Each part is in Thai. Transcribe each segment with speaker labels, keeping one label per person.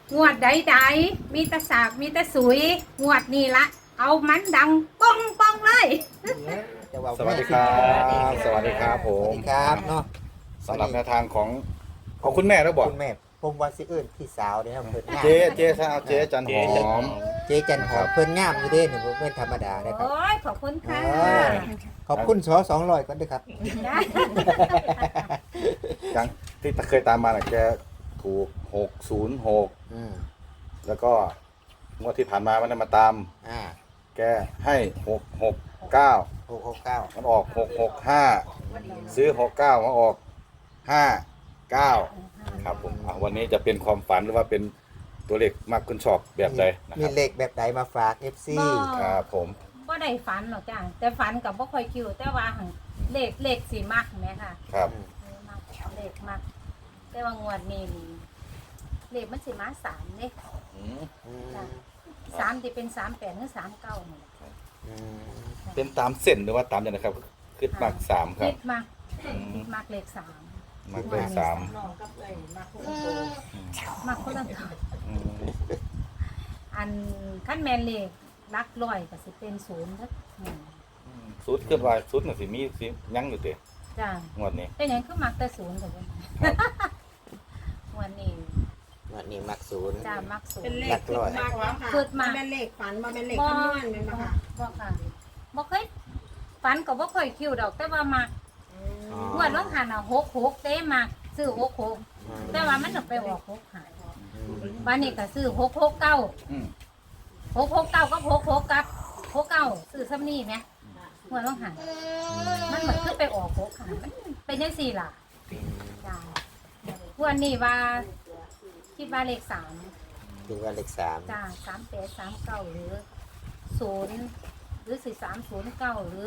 Speaker 1: งวดใดๆมีแต่สากมีแต่สุยงวดนี้ละเอามันดังป้องป้องเลย
Speaker 2: สวัสดีครับ สวัสดีครับผ
Speaker 3: สวั
Speaker 2: ม
Speaker 3: สดีครับเนาะ
Speaker 2: สำหรับแนวทางของคุณแม่แล้วบอก
Speaker 3: คุณแม่ผมว่าสิเอิ้นพี่สาวเด้ครับเพิ่นงาม
Speaker 2: เจ๊ซะเอาเจ๊จันหอม
Speaker 3: เจ๊จันหอมเพิ่นงามอยู่เด้นี่บ่แม่นธรรมดาเด้ครับ
Speaker 1: โอ้ยขอบคุณค่ะ
Speaker 3: ขอบคุณส200ก่อนเด้อครับ
Speaker 1: ได้
Speaker 2: ยังที่เคยตามมาน่ะแกถูก606
Speaker 3: อืม
Speaker 2: แล้วก็งวดที่ผ่านมามันได้มาตาม
Speaker 3: อ่า
Speaker 2: แกให้669
Speaker 3: 669
Speaker 2: มันออก665ซื้อ69มาออก59ครับผมวันนี้จะเป็นความฝันหรือว่าเป็นตัวเลขมากคุณชอบแบบใดนะ
Speaker 3: มี
Speaker 2: ครับ
Speaker 3: เลขแบบใดมาฝาก FC
Speaker 2: ครับผม
Speaker 1: บ่ได้ฝันหรอกจ้ะแต่ฝันกับบ่ค่อยคิวแต่ว่าหั่นเลขสีมักแม่ค่ะ
Speaker 2: ครับ
Speaker 1: มักเลขมักแต่ว่างวดนี้นี่เลขมันสิมา3เด้
Speaker 2: อืม
Speaker 3: อืม
Speaker 1: จ้ะ3ที่เป็น38หรือ39นี่
Speaker 3: อืม
Speaker 2: เป็นตามเส้นหรือว่าตามยังไงครับขึ้นมาก3ครับ
Speaker 1: คิดมักมักเลข3
Speaker 2: มากเลย3
Speaker 1: มักคนละตัวอันขั้นแมนเลขลักร้อยก็สิเป็น0เด้อ
Speaker 2: สุดขึ้นว่าสุดน่ะสิมีสิยังอยู่เด้
Speaker 1: จ้ะ
Speaker 2: งวดนี้
Speaker 1: เป็นหยังคือมักแต่0เด้อวันนี้
Speaker 3: วันนี้มักศูนย์
Speaker 1: จ้ามัก0
Speaker 4: เป็นเล
Speaker 3: หลั
Speaker 4: ข
Speaker 3: กร้อย
Speaker 4: มากกว่าค่ะ
Speaker 1: ขึ้นมา
Speaker 4: เป็นเลขฝันมาเป็นเลขคำนวณเป็นปะค่ะ
Speaker 1: บ่ค่ะบ่เคยฝันก็บ่ค่อยคิวดอกแต่ว่ามัก
Speaker 3: อ๋อ
Speaker 1: งวดลงหัน66เต้มักซื้อ66แต่ว่ามันน่ะไปออก6หาย
Speaker 3: อืม
Speaker 1: วันนี้ก็ซื้อ669
Speaker 2: อืม
Speaker 1: 669กับ66กับ69ซื้อซ้ำนี่แหมงวดลงหันมันเหมือนขึ้นไปออก6หายมันเป็นจังซี่ล่ะจ้าวันนี้ว่าคิดว่าเลข3
Speaker 3: คือว่าเลข3
Speaker 1: จ้า3839หรือ0หรือ4309หรือ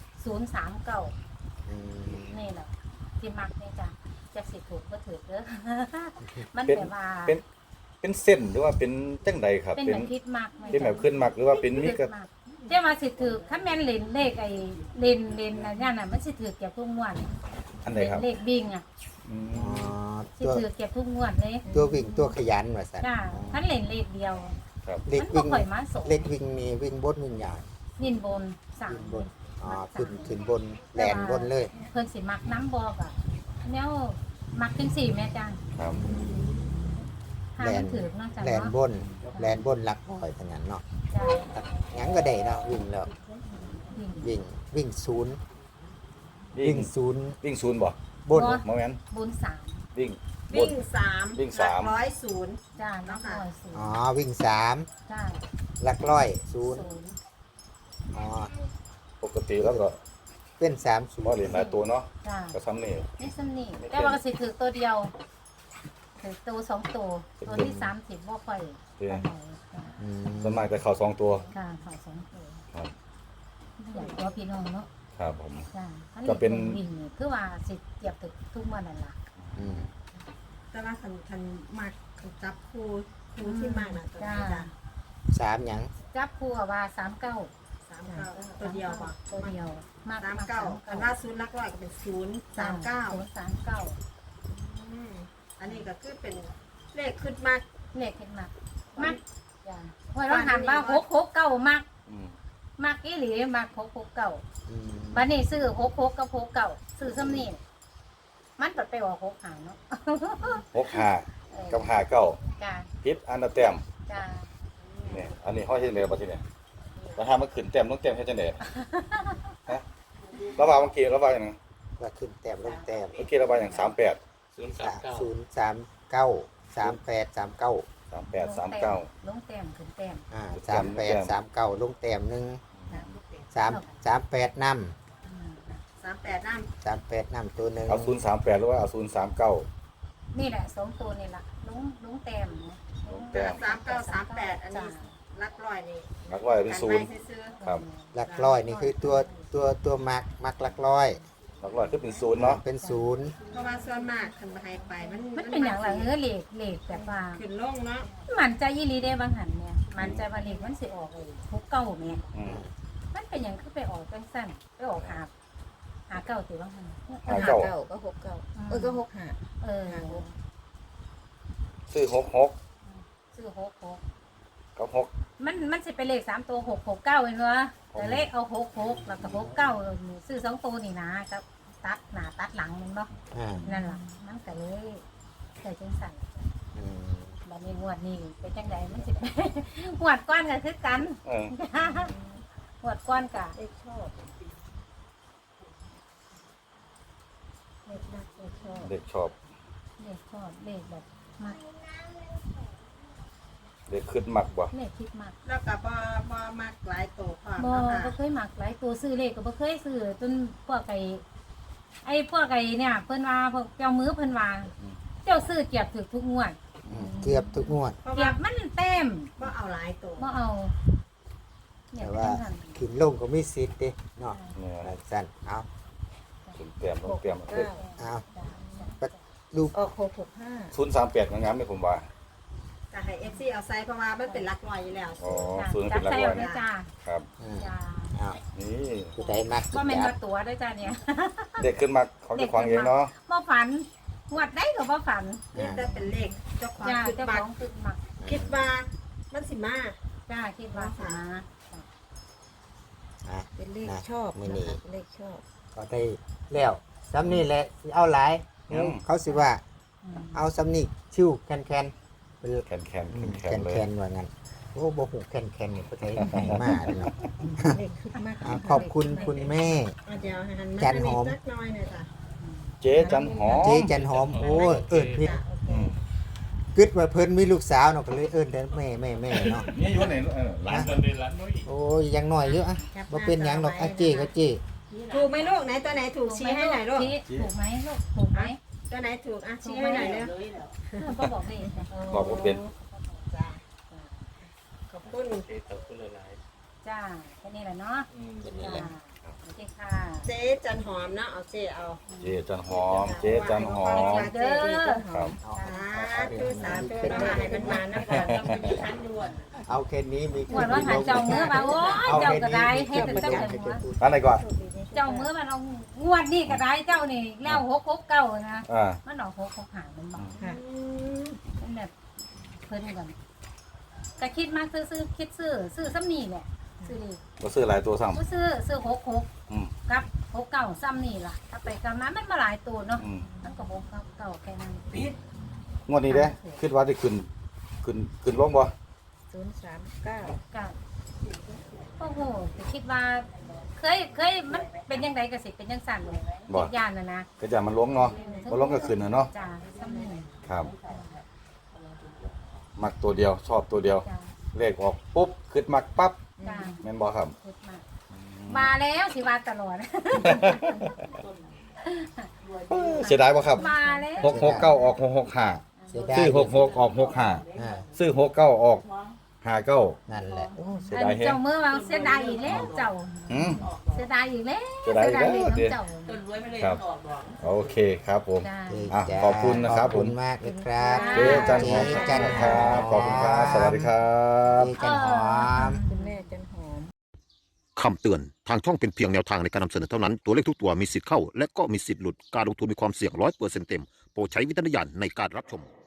Speaker 1: 4039
Speaker 3: อืม
Speaker 1: นี่แหละที่มักนี่จ้ะจะสิถูกก็ถือเด้อ มัน
Speaker 2: เป็น
Speaker 1: แบบว่า
Speaker 2: เป็นเส้นหรือว่าเป็นจังใดครับ
Speaker 1: เป็น
Speaker 2: เป็
Speaker 1: แบ
Speaker 2: น
Speaker 1: บคิดมากไหม
Speaker 2: เป็นแบบขึ้นมักหรือว่าเป็นมีกระ
Speaker 1: เจ้ามาสิถือถ้าแม่นเลนเลขไอ้เลนอะไรนั่นน่ะมันสิถือเก็บทุกงวด
Speaker 2: อันไหนครับ
Speaker 1: เลขบิ่งอ่ะ
Speaker 2: อื
Speaker 3: อ๋อ
Speaker 2: ม
Speaker 1: สิ
Speaker 3: ตัว
Speaker 1: ถือเก็บทุกงวดเลย
Speaker 3: ตัววิ่งตัวขยันว่าซั่น
Speaker 1: จ้าท่านเลนเลขเดียว
Speaker 2: ครับ
Speaker 3: เลข
Speaker 1: มันบ่
Speaker 3: วิ่ง
Speaker 1: ค่อยมาส่ง
Speaker 3: เลขวิ่งนี่วิ่งบนวิ่งยาว
Speaker 1: วินบนสาม
Speaker 3: ขึ้นบนอ๋อขึ้นบนแลนบนเลย
Speaker 1: เพิ่นสิมักน้ำบอกอ่ะแนวมักจังสี่แม่จ้า
Speaker 2: ครับ
Speaker 1: ถ้ามันถือเนาะจ้ะ
Speaker 3: แลน
Speaker 1: เนาะ
Speaker 3: บนแลนบนหลักร้อยเท่านั้นเนาะ
Speaker 1: จ้า
Speaker 3: หยังก็ได้เนาะวิ่งแล้ว
Speaker 1: วิ่ง
Speaker 3: วิ่งศูนย์
Speaker 2: วิ่
Speaker 3: วิ่
Speaker 2: ง
Speaker 3: งศูนย์
Speaker 2: วิ่งศูนย์บ่
Speaker 3: บน
Speaker 2: โมเมนต์
Speaker 1: บุญสาม
Speaker 2: วิ่งบ
Speaker 4: วิ่
Speaker 2: น
Speaker 4: งสาม
Speaker 2: วิ่ง
Speaker 4: หลั
Speaker 2: สาก ม
Speaker 4: ร้อยศูนย์
Speaker 1: จ้าน้องร้อยศูน
Speaker 3: อ๋อ
Speaker 1: ย์
Speaker 3: วิ่งสาม
Speaker 1: จ้า
Speaker 3: หลักร้อยศูนย์
Speaker 1: ศูนย์
Speaker 3: อ๋อ
Speaker 2: ปกติแล้วก็
Speaker 3: เป็นสามศูน
Speaker 2: บ่
Speaker 3: ย์
Speaker 2: เหรียญหลายตัวเนาะ
Speaker 1: จ้า
Speaker 2: ก็ซ้ำนี่
Speaker 1: นี่สำนี่แต่ว่าก็สิถือตัวเดียวถือตัวสองตัวตัวที่30บ่ค่อย
Speaker 2: เด้
Speaker 1: ปานใดจ้ะ
Speaker 3: อืม
Speaker 2: ส่วนมากจะเข้า2ตัว
Speaker 1: ค่ะเขาสองตัว
Speaker 2: ครับ
Speaker 1: อยากตัวพี่น้องเนาะ
Speaker 2: ครับผม
Speaker 1: จ้าอั
Speaker 2: ก็เป็น
Speaker 1: วิ่งนี่คือว่าสิเจียบถึกทุกเมื่อนั่นล่ะ
Speaker 3: อืม
Speaker 4: แต่ว่าคันมากคันจับครูที่มากน่ะตัว
Speaker 1: จ้า
Speaker 4: นี้จ้ะ
Speaker 3: สามหยัง
Speaker 1: จับคู่กับว่า39
Speaker 4: สามเก้าตัวเดียวป่ะ
Speaker 1: ตัวเดียวมาก
Speaker 4: สามเก้าคันว่าศูนย์หลักร้อยก็เป็นศูนย์สามเก้า
Speaker 1: 039
Speaker 4: อันนี้ก็คือเป็นเลขขึ้นมาก
Speaker 1: เลขเห็นมากมากจ้าว่าเราหันว่า669มาก
Speaker 2: อืม
Speaker 1: มากอีหลีมาก669
Speaker 3: อืม
Speaker 1: บัดนี้ซื้อ66กับ69ซื้อซ้ำนี่มันตัดไปออก6หาเนาะ
Speaker 2: 65กับ59
Speaker 1: จ้า
Speaker 2: พิษอันละแต้ม
Speaker 1: จ้า
Speaker 2: เนี่ยอันนี้ห้อยเฮ็ดจังได๋บ่ทีเนี่ยแล้วถ้ามันขึ้นแต้มต้องแต้มเฮ็ดจังได๋ฮะระว่าเมื่อกี้ระว่าหยัง
Speaker 3: ว่าขึ้นแต้มลงแต้ม
Speaker 2: เมื่อกี้ระว่าหยัง38
Speaker 3: 039
Speaker 1: ลงแต้มขึ้นแต้ม
Speaker 3: อ่า38 39ลงแต้มหนึ่ง
Speaker 1: จ้ะ
Speaker 3: 38นำ
Speaker 1: อืม
Speaker 4: 38น้ำ
Speaker 3: 38นำตัวหนึ่ง
Speaker 2: เอา038หรือว่าเอา039
Speaker 1: นี่แหละ2ตัวนี่ล่ะลงแต้มนะลง
Speaker 2: แต้ม
Speaker 4: 3938อันนี้หลักร้อยนี่
Speaker 2: นักร้อยเป็น
Speaker 4: กัน
Speaker 2: ศู
Speaker 4: ไว้
Speaker 2: นย์
Speaker 4: ซื้อ
Speaker 2: ครับ
Speaker 3: หลักร้อยนี่คือตัวมักหลักร้อย
Speaker 2: นักร้อยคือเป็นศูนย์เนาะ
Speaker 3: เป็นศูนย์
Speaker 4: ๆเพราะว่าส่วนมากคันให้ไปมัน
Speaker 1: มันเป็นอย่างไรเลขแบบว่า
Speaker 4: ขึ้นลงเนาะ
Speaker 1: มันใจยี่ลีได้บางหันเนี่ยมันใจว่าเลขมันสิออกเลยทุกเก้าเนี่ย
Speaker 2: อืม
Speaker 1: มันเป็นอย่างคือไปออกจังสั้นไปออกหาเก้าติบางหัน
Speaker 2: หาเก้า
Speaker 5: ก็หกเก้าก็หกห้า
Speaker 1: เออ
Speaker 2: ซื้อ66
Speaker 1: ซื้อซื้อหกหก
Speaker 2: ก็หก
Speaker 1: มันสิเป็นเลข3ตัว669เห็นบ่แต่เลขเอา66แล้วก็69ซื้อ2ตัวนี่นะครับตัดหน้าตัดหลังแม่นบ่
Speaker 3: อ่า
Speaker 1: นั่นล่ะมันก็เลยเกิดจังสั่น
Speaker 3: อืม
Speaker 1: บัดนี้งวดนี้เป็นจังไดมันสิ งวดก้อนก็คือกัน งวดก้อนก็
Speaker 4: เลขชอบเลขนักเลขชอบ
Speaker 2: เด็กชอบ
Speaker 1: เลขชอบเลขแบบมัก
Speaker 2: เด็กขึ้นมักบ่
Speaker 1: เลขคิดมัก
Speaker 4: แล้วก็บ่มักหลายโตความ
Speaker 1: บ่
Speaker 4: เนาะ
Speaker 1: บ่
Speaker 4: ค่ะ
Speaker 1: เคยมักหลายตัวซื้อเลขก็บ่เคยซื้อจนพวกพวกเนี่ยเพิ่นว่าพวกเจ้ามือเพิ่นว่าเจ้าซื้อเกียบถูกทุกงวด
Speaker 3: เกือบทุกงวด
Speaker 4: เพราะ
Speaker 1: เกี
Speaker 4: ว่าย
Speaker 1: บมันเต็ม
Speaker 4: บ่เอาหลายโต
Speaker 1: บ่เอาเนี่ย
Speaker 3: แต่
Speaker 1: เป็น
Speaker 3: ว่า
Speaker 1: จังซั่น
Speaker 3: ขึ้นลงก็มีสิทธิ์เด้เนาะ
Speaker 2: เนี่ย
Speaker 3: สั้นเอา
Speaker 2: ขึ้นเตรียมลงเตรียมเด็ก
Speaker 3: เอา
Speaker 1: จ้ะ
Speaker 3: ลูก
Speaker 4: ออก665
Speaker 2: 038งามๆนี่ผมว่า
Speaker 4: ก็ให้ FC เอาใส่เพราะว่ามันเป็นหลักร้อยอยู่แล้ว
Speaker 2: อ๋อ
Speaker 1: จ้ะ
Speaker 2: ศูนย์
Speaker 1: จั
Speaker 2: เป็
Speaker 1: บ
Speaker 2: นหลัก
Speaker 1: ใส่
Speaker 2: ร้อย
Speaker 1: เอาด้วยจ้า
Speaker 2: ครับ
Speaker 3: อืม
Speaker 1: จ้า
Speaker 3: เอา
Speaker 2: นี่
Speaker 3: ผู้ใดมัก
Speaker 1: บ่แม่น
Speaker 3: จั
Speaker 1: ว่าตัวด้วยจ้าเนี่ย
Speaker 2: เด็กขึ้นมักเขาจะควางเองเนาะ
Speaker 1: บ่ฝันงวดได้ก็บ่ฝัน
Speaker 4: นี่แต่เป็นเลขเจ้าของ
Speaker 1: จ้า
Speaker 4: คิด
Speaker 1: เจ้า
Speaker 4: ว่า
Speaker 1: ของคือมัก
Speaker 4: คิดว่ามันสิมา
Speaker 1: จ้าคิดว่าสิมา
Speaker 3: อ่ะ
Speaker 4: เป็นเลข
Speaker 3: นะ
Speaker 4: ชอบ
Speaker 3: มื้อนี้
Speaker 4: นะคะเลขชอบ
Speaker 3: ก็ได้แล้วซ้ำนี่แหละสิเอาหลายเดี๋ยวเขาสิว่า
Speaker 1: อืม
Speaker 3: เอาซ้ำนี่ชิวแคนเป็น
Speaker 2: แคนแคน
Speaker 3: แค
Speaker 2: แคน
Speaker 3: น
Speaker 2: เลย
Speaker 3: แคนว่างั้นโอ้บ่ฮู้แคนนี่ประเทศไหนมาเนาะ
Speaker 4: เลขขึ้นมาก
Speaker 3: อ่ะขอบคุณคุณแม่
Speaker 4: เดี๋ยวหันมา
Speaker 3: จันหอม
Speaker 4: สักหน่อยหน่อยจ้ะ
Speaker 2: เจ๊จันหอม
Speaker 3: เจ๊จันหอมโอ้ยเอิ้นผิด
Speaker 4: จ้ะโอเค
Speaker 2: อืม
Speaker 3: กึดว่าเพิ่นมีลูกสาวเนาะก็เลยเอิ้นแต่แม่เนาะ
Speaker 2: นี่อยู่ไหนร้าน
Speaker 3: โอ้ยยังน้อยอยู่อ่ะบ่เป็นหยังดอกอ่ะเจ๊ก็เจ๊
Speaker 4: ถูกไหมลูกไหนตัวไหนถูกชี้ให้หน่อยลูก
Speaker 1: ชี้ถูกไหมลูกถูกไหม
Speaker 4: ตัวไหนถูกอ่ะชี้ให้หน่อยเร็ว
Speaker 1: ก็บอกไม่จ้ะ
Speaker 2: บอกว่าเป็น
Speaker 4: จ้ะขอบคุณ
Speaker 1: จ้าแค่นี้แหละเนาะ
Speaker 3: เป็นนี่
Speaker 1: จ้า
Speaker 3: แหละ
Speaker 1: โอเคค่ะ
Speaker 4: เจ๊จันหอมเนาะเอาเจ๊เอา
Speaker 2: เจ๊จันหอม เจ๊จันหอม
Speaker 4: เจ๊ดีจันห
Speaker 2: ครั
Speaker 4: อม
Speaker 2: บ
Speaker 4: สาธุสาธุเนาะให้มันมานะก่อนต้องเป็นชั้นด่วน
Speaker 3: เอาแค่นี้มี
Speaker 1: หวดว่าหันเจ้ามือมาโอ้ยเจ้าก็ได้เฮ็ดแต่เจ้าหัว
Speaker 2: ร้านไหนก่อน
Speaker 1: เจ้ามือมันเอางวดนี่ก็ได้เจ้านี่แล้ว669นะ
Speaker 2: อ่า
Speaker 1: มันออก665มันบอก
Speaker 4: ค่ะ
Speaker 1: มันแบบเพิ่นกันก็คิดมากซื้อคิดซื้อซ้ำนี่แหละซื้อนี่
Speaker 2: ก็ซื้อหลายตัวซ้
Speaker 1: ก็ซื้อ
Speaker 2: อืม
Speaker 1: 66ครับ69ซ้ำนี่ล่ะถ้าไปกำนั้นมันมาหลายตัวเนาะ
Speaker 2: ำอืม
Speaker 1: มันก็699แค่นั้น
Speaker 2: งวดนี้เด้คิดว่าจะขึ้นลงบ่
Speaker 4: 039
Speaker 1: ก็โอ้โหแต่คิดว่าเคยมันเป็นยังไงก็สิเป็นยังสั่นเลย
Speaker 2: บ่
Speaker 1: คิดย่านนะ
Speaker 2: ก็จะมันลงเนาะบ่ลงก็ขึ้นน่ะเนาะ
Speaker 1: จ้าซ้ำนี่
Speaker 2: ครับ มักตัวเดียวชอบตัวเดียว
Speaker 1: จ้า
Speaker 2: เลขออกปุ๊บขึ้นมักปั๊บ
Speaker 1: จ้า
Speaker 2: แม่นบ่ครับ
Speaker 1: คิดมาแล้วสิว่าตลอด
Speaker 2: เสียดายบ่ครับ
Speaker 1: มาแล้ว
Speaker 2: 669ออก665
Speaker 3: เสียดาย
Speaker 2: ซื้อ66ออก65
Speaker 3: อ่า
Speaker 2: ซื้อ69ออก59
Speaker 3: นั่นแหละโอ้
Speaker 2: เสียดายแฮง
Speaker 1: เจ้ามือว่าเสียดายอีกแล้วเจ้า
Speaker 2: อืม
Speaker 1: เสียดายอีกแล้ว
Speaker 2: เสียดายอีกแล้ว
Speaker 1: เสียดายอีกแล้วเจ้า
Speaker 2: ครับ โอเคครับผม
Speaker 1: จ้า
Speaker 3: เจ๊
Speaker 2: อ่ะ
Speaker 3: จ้า
Speaker 2: ขอบคุณนะครับ
Speaker 3: ขอบคุณมากเลยครับ
Speaker 2: เจ๊จันหอม
Speaker 3: เจ๊จันห
Speaker 2: ค
Speaker 3: อ
Speaker 2: รั
Speaker 3: ม
Speaker 2: บขอบคุณครับ สวัสดีครับ
Speaker 3: เจ๊จันหอม
Speaker 4: คุณแม่จันหอม
Speaker 5: คำเตือน ทางช่องเป็นเพียงแนวทางในการนำเสนอเท่านั้น ตัวเลขทุกตัวมีสิทธิ์เข้า และก็มีสิทธิ์หลุด การลงทุนมีความเสี่ยง100%เต็ม โปรดใช้วิจารณญาณในการรับชม